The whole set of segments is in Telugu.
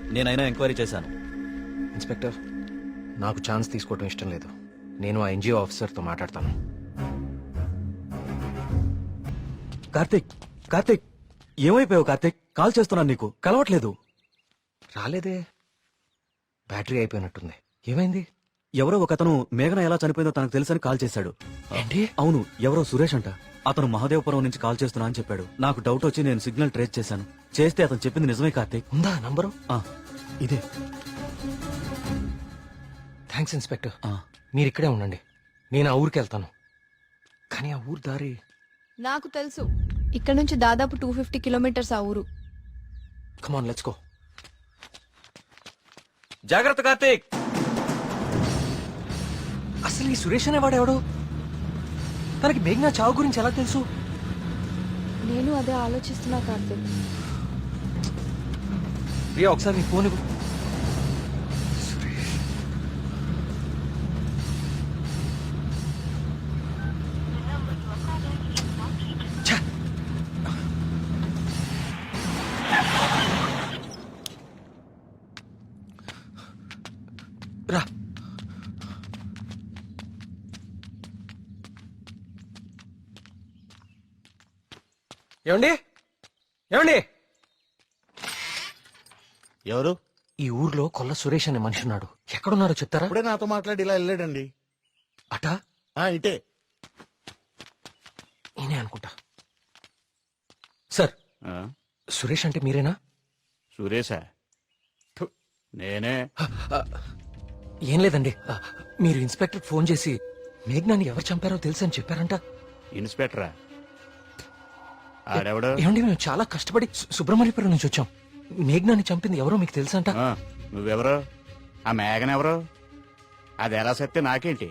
నేనైనా ఎంక్వైరీ చేశాను. ఇన్స్పెక్టర్, నాకు ఛాన్స్ తీసుకోవటం ఇష్టం లేదు. నేను ఆ ఎన్జిఓ ఆఫీసర్తో మాట్లాడతాను. కార్తీక్, కార్తీక్, ఏమైపోయావు కార్తీక్? కాల్ చేస్తున్నాను, నీకు కలవట్లేదు. రాలేదే, బ్యాటరీ అయిపోయినట్టుంది. ఏమైంది? ఎవరో ఒకతను మేఘన ఎలా చనిపోయిందో తనకు తెలుసని కాల్ చేశాడు. ఏంటి? అవును, ఎవరో సురేష్ అంట. అతను మహదేవపురం నుంచి కాల్ చేస్తున్నా అని చెప్పాడు. నాకు డౌట్ వచ్చి నేను సిగ్నల్ ట్రేస్ చేశాను. చేస్తే అతను చెప్పింది నిజమే కార్తీక్. ఉందా నంబరు? ఇదే. Thanks inspector. మీరు ఇక్కడే ఉండండి, నేను ఆ ఊరికి వెళ్తాను. కానీ ఆ ఊరు దారి నాకు తెలుసు. ఇక్కడ నుంచి దాదాపు 250 కిలోమీటర్స్ ఆ ఊరు. Come on let's go. జాగ్రత్త కార్తీక్. అసలు ఈ సురేష్ అనేవాడెవడు? తనకి మేఘనా చావు గురించి ఎలా తెలుసు? నేను అదే ఆలోచిస్తున్నా కార్తీక్. ప్రియా, ఒకసారి నీ ఫోన్ ఇవ్వు. ఛ! రా. ఏమండి, ఏమండి? ఎవరు? ఈ ఊర్లో కొల్ల సురేష్ అనే మనిషి ఉన్నాడు. ఎక్కడున్నాడో చెప్తారా? ఇప్పుడే నాతో మాట్లాడి ఇలా వెళ్ళాడండి. అటా? ఇటే. నేనే అనుకుంటా. సార్, సురేష్ అంటే మీరేనా? సురేశా? నేనే. ఏం లేదండి, మీరు ఇన్స్పెక్టర్ ఫోన్ చేసి మేఘనాన్ని ఎవరు చంపారో తెలుసని చెప్పారంట. ఇన్స్పెక్టరా? ఆడెవడు? ఏమండి, మేము చాలా కష్టపడి సుబ్రహ్మణ్యపురం నుంచి వచ్చాం. మేఘనాన్ని చంపింది ఎవరో మీకు తెలుసంట. నువ్వెవరు? ఆ మేఘన ఎవరు? అది ఎలా సత్తే నాకేంటి?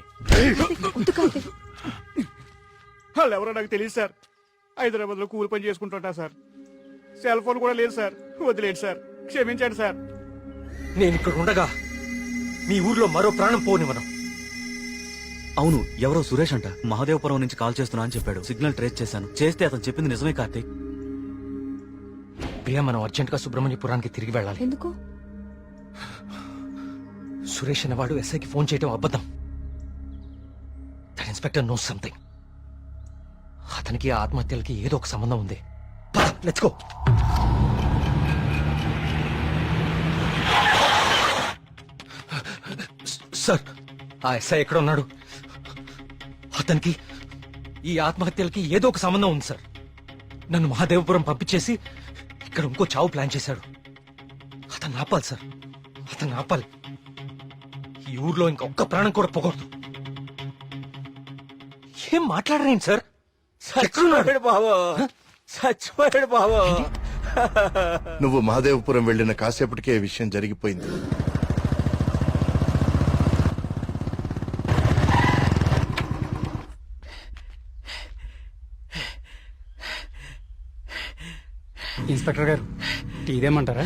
వాళ్ళు ఎవరో నాకు తెలియదు సార్. హైదరాబాద్ లో కూలి పని చేసుకుంటుంటా సార్. సెల్ ఫోన్ కూడా లేదు సార్. వదిలేండి సార్, క్షమించండి సార్. నేను ఇక్కడ ఉండగా మీ ఊర్లో మరో ప్రాణం పోనివ్వను. అవును, ఎవరో సురేష్ అంట. మహదేవపురం నుంచి కాల్ చేస్తున్నా అని చెప్పాడు. సిగ్నల్ ట్రేస్ చేశాను. చేస్తే అతను చెప్పింది నిజమే కార్తీక్. ప్రియా, మనం అర్జెంట్ గా సుబ్రహ్మణ్యపురానికి తిరిగి వెళ్ళాలి. ఎందుకు? సురేష్ అనేవాడు ఎస్ఐకి ఫోన్ చేయడం అబద్ధం. That inspector knows something. అతనికి ఆ ఆత్మహత్యలకి ఏదో ఒక సంబంధం ఉంది. Let's go. సార్, ఆ ఎస్ఐ ఎక్కడ ఉన్నాడు? అతనికి ఈ ఆత్మహత్యలకి ఏదో ఒక సంబంధం ఉంది సార్. నన్ను మహాదేవపురం పంపించేసి ఇక్కడ ఇంకో చావు ప్లాన్ చేశాడు. అతన్ని ఆపాలి సార్, అతన్ని ఆపాలి. ఈ ఊర్లో ఇంకొక్క ప్రాణం కూడా పోకూడదు. ఏం మాట్లాడరేంటి సార్? చచ్చిపోయాడు బాబు, చచ్చిపోయాడు బాబు. నువ్వు మహాదేవపురం వెళ్లిన కాసేపటికే ఈ విషయం జరిగిపోయింది. ఇన్స్పెక్టర్ గారు, టీ ఇదేమంటారా?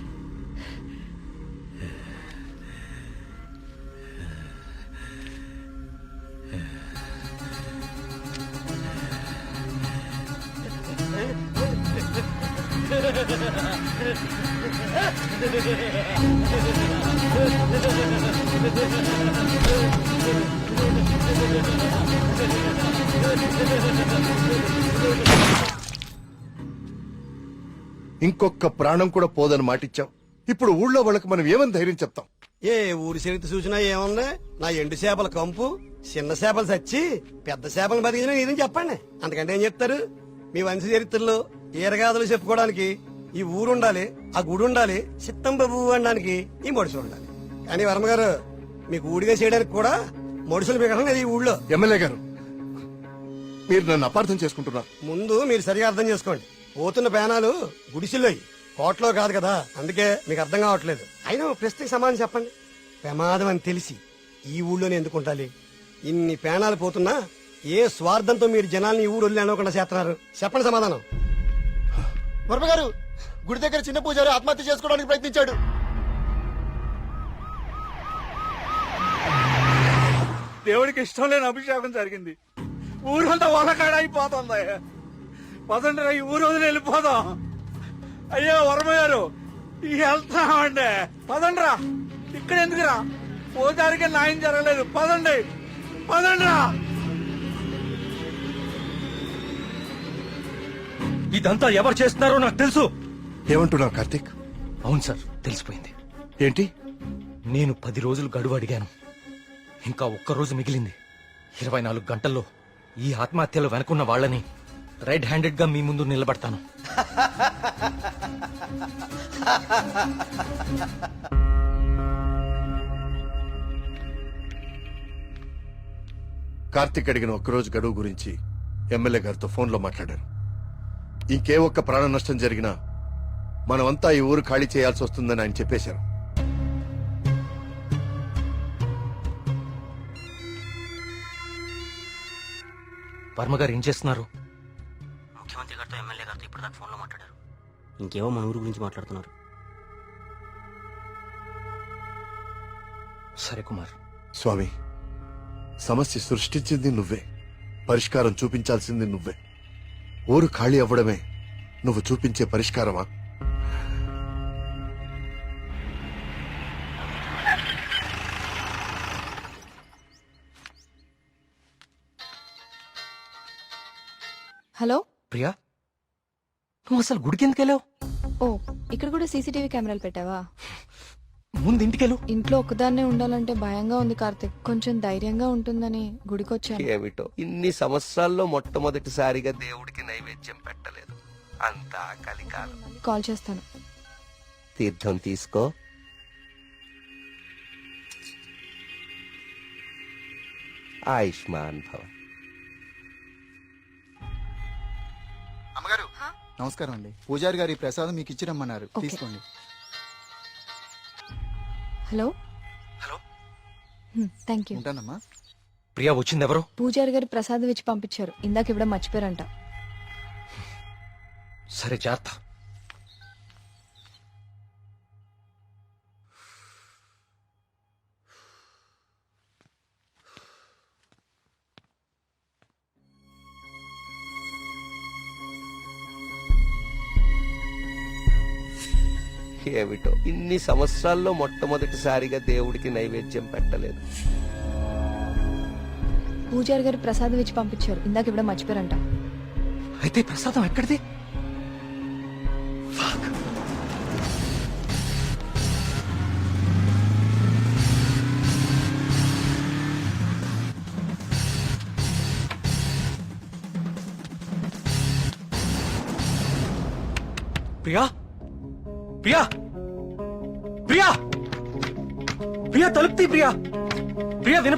ఇంకొక ప్రాణం కూడా పోదని మాటిచ్చాం. ఇప్పుడు ఊళ్ళో వాళ్ళకి మనం ఏమని ధైర్యం చెప్తాం? ఏ ఊరి చరిత్ర చూసినా ఏముంది? నా ఎండు చేపల కంపు, చిన్న చేపలు చచ్చి పెద్ద చేపలు బతికిన ఇదని చెప్పండి. అంతకంటే ఏం చెప్తారు? మీ వంశ చరిత్రలో ఈరగాథలు చెప్పుకోవడానికి ఈ ఊరు ఉండాలి, ఆ గుడి ఉండాలి, చిత్తం బాబు అనడానికి ఈ మడుసులు ఉండాలి. కానీ వర్మ గారు, మీకు ఊడిగా చేయడానికి కూడా మడుసులు మిగడం లేదు ఈ ఊళ్ళో. ఎమ్మెల్యే గారు, మీరు నన్ను అపార్థం చేసుకుంటున్నారు. ముందు మీరు సరిగా అర్థం చేసుకోండి. పోతున్న పేనాలు గుడిసిల్లోయి, కోట్లో కాదు కదా. అందుకే మీకు అర్థం కావట్లేదు. అయినా ప్రశ్నకి సమాధానం చెప్పండి. ప్రమాదం అని తెలిసి ఈ ఊళ్ళోనే ఎందుకు ఉండాలి? ఇన్ని పేనాలు పోతున్నా ఏ స్వార్థంతో మీరు జనాల్ని ఈ ఊరు వదిలి అనుకుండా చేస్తున్నారు? చెప్పండి సమాధానం. వర్మ గారు, గుడి దగ్గర చిన్న పూజారి ఆత్మహత్య చేసుకోవడానికి ప్రయత్నించాడు. దేవుడికి ఇష్టం లేని అభిషేకం జరిగింది. ఊరంతా వలకాడ అయిపోతుంది. పదండి, ఈ ఊరు వదిలి వెళ్ళిపోదాం. అయ్యో వర్మ గారు, వెళ్తామండి పదండ్రా. ఇక్కడ ఎందుకురా? పోతారికి న్యాయం జరగలేదు. పదండి పదండ్రా. ఇదంతా ఎవరు చేస్తున్నారో నాకు తెలుసు. ఏమంటున్నావు కార్తీక్? అవును సార్, తెలిసిపోయింది. ఏంటి? నేను 10 రోజులు గడువు అడిగాను. ఇంకా ఒక్క రోజు మిగిలింది. 24 గంటల్లో ఈ ఆత్మహత్యలో వెనుకున్న వాళ్ళని రెడ్ హ్యాండెడ్ గా మీ ముందు నిలబడతాను. కార్తీక్ అడిగిన ఒక్కరోజు గడువు గురించి ఎమ్మెల్యే గారితో ఫోన్లో మాట్లాడాను. ఇంకే ఒక్క ప్రాణ నష్టం జరిగినా మనమంతా ఈ ఊరు ఖాళీ చేయాల్సి వస్తుందని ఆయన చెప్పేశారు. వర్మ గారు ఏం చేస్తున్నారు? ముఖ్యమంత్రి గారితో ఎమ్మెల్యే గారితో ఇప్పటిదాకా ఫోన్లో మాట్లాడారు. ఇంకేవో మన ఊరు గురించి మాట్లాడుతున్నారు. సరే కుమార్. స్వామి, సమస్య సృష్టించింది నువ్వే, పరిష్కారం చూపించాల్సింది నువ్వే. ఊరు ఖాళీ అవ్వడమే నువ్వు చూపించే పరిష్కారమా? హలో. ప్రియా, నువ్వు అసలు గుడికి ఎందుకు వెళ్ళావు? ఓ, ఇక్కడ కూడా సీసీటీవీ కెమెరాలు పెట్టావా? ముందు ఇంటికెళ్ళు. ఇంట్లో ఒక్కదాన్నే ఉండాలంటే భయంగా ఉంది కార్తిక్. కొంచెం ధైర్యంగా ఉంటుందని గుడికొచ్చాను. ఏమిటో ఇన్ని సంవత్సరాల్లో మొట్టమొదటిసారిగా దేవుడికి నైవేద్యం పెట్టలేదు. అంతా కలికాలం. కాల్ చేస్తాను. తీర్థం తీసుకో. ఆయుష్మాన్ భవ. అమ్మగారు నమస్కారం అండి. పూజారి గారి ప్రసాదం మీకు ఇచ్చి రమ్మన్నారు. ఓకే. తీసుకోండి. హలో. హలో. Thank you. ఉంటానమ్మా. ప్రియా వచ్చింది ఎవరు? పూజారి గారు ప్రసాదం ఇచ్చి పంపించారు. ఇందాక ఇవ్వడం మర్చిపోయారంట. సరే, జాగ్రత్త. ఏమిటో ఇన్ని సంవత్సరాల్లో మొట్టమొదటిసారిగా దేవుడికి నైవేద్యం పెట్టలేదు. పూజారి గారు ప్రసాదం ఇచ్చి పంపించారు. ఇందాక ఇవ్వడం మర్చిపోయారంట. అయితే ప్రసాదం ఎక్కడిది? ప్రియా, ప్రియా, ప్రియా, ప్రియా తలుపుతీ. ప్రియా, ప్రియా